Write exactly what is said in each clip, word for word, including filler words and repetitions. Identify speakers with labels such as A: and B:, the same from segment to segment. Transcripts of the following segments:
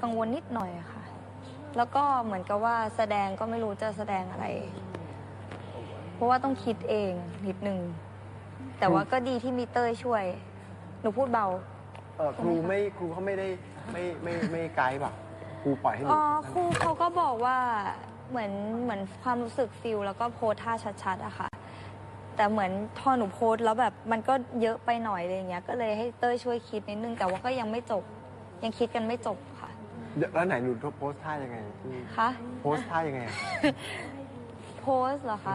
A: กังวลนิดหน่อยค่ะ แล้วก็เหมือนกับว่าแสดงก็ไม่รู้จะแสดงอะไร เพราะว่าต้องคิดเองนิดนึง แต่ว่าก็ดีที่มีเต้ยช่วย หนูพูดเบา
B: เออครูไม่ครูเขาไม่ได้ไม่ไม่ไม่ไกด์ป่ะครูปล่อยให้หนู
A: อ๋อครูเขาก็บอกว่าเหมือนเหมือนความรู้สึกฟิลแล้วก็โพสท่าชัดๆอะค่ะ แต่เหมือนพอหนูโพสแล้วแบบมันก็เยอะไปหน่อยอะไรเงี้ย ก็เลยให้เต้ยช่วยคิดนิดนึง แต่ว่าก็ยังไม่จบ ยังคิดกันไม่จบค่ะ
B: แล้วไหนหนูโพสท่ายังไง
A: คะ
B: โพสท่ายังไง
A: โพสเหรอคะ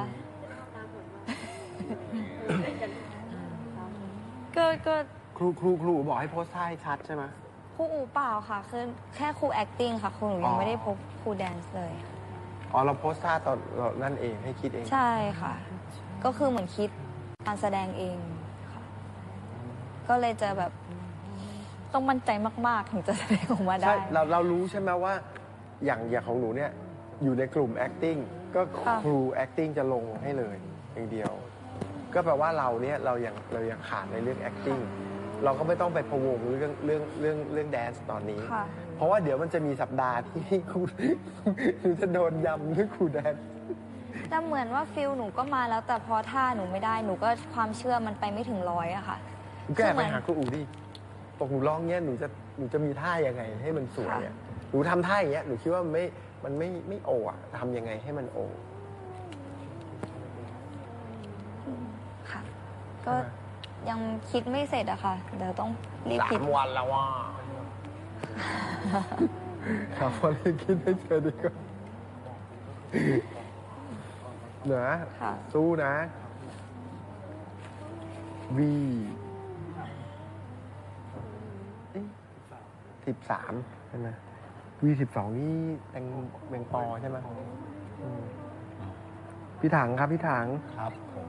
A: ก็ก็
B: ครูครูครูบอกให้โพสท่าให้ชัดใช่ไหม
A: ครูอูเปล่าค่ะคือแค่ครู acting ค่ะครูหนูยังไม่ได้พบครูแดนซ์เลย
B: อ๋อเราโพสท่าตอนเรานั่นเองให้คิดเอง
A: ใช่ค่ะ ก็คือเหมือนคิดการแสดงเองค่ะ ก็เลยจะแบบต้องมั่นใจมากๆ ถึงจะแสดงออกมาได้
B: ใช่เราเรารู้ใช่ไหมว่าอย่างอย่างของหนูเนี่ยอยู่ในกลุ่ม acting ก็
A: ค่ะ
B: ครู acting จะลงให้เลยอย่างเดียว ก็แปลว่าเราเนี่ยเรายังเรายังขาดในเรื่อง acting เราก็ไม่ต้องไปพะวงเรื่องเรื่องเรื่องเรื่องแดนซ์ตอนนี้
A: ค่ะ
B: เพราะว่าเดี๋ยวมันจะมีสัปดาห์ที่ครูหนูจะโดนยำเรื่องครูแดนซ์
A: แต่เหมือนว่าฟิลหนูก็มาแล้วแต่พอท่าหนูไม่ได้หนูก็ความเชื่อมันไปไม่ถึงร้อยอะค่ะ
B: แก้
A: คือเห
B: ไป
A: มือน
B: หาครูอูดิบอกหนูร้องเงี้ยหนูจะหนูจะมีท่ายังไงให้มันสวยอ่ะหนูทำท่าอย่างเงี้ยหนูคิดว่ามันไม่มันไม่ไม่โออ่ะทำยังไงให้มันโอ
A: ค่ะ ก็ยังคิดไม่เสร็จอะค่ะ เดี๋ยวต้องรีบ
B: สา
A: คิด
B: มวันแล้วว่าสามวันเลยคิดให้เจอดีกว่าเหนือ
A: ค่ะ
B: สู้นะวีสิบสามใช่ไหมวีสิบสองนี่แตงแมงปอใช่ไหมอืมพี่ถังครับพี่ถัง
C: ครับผม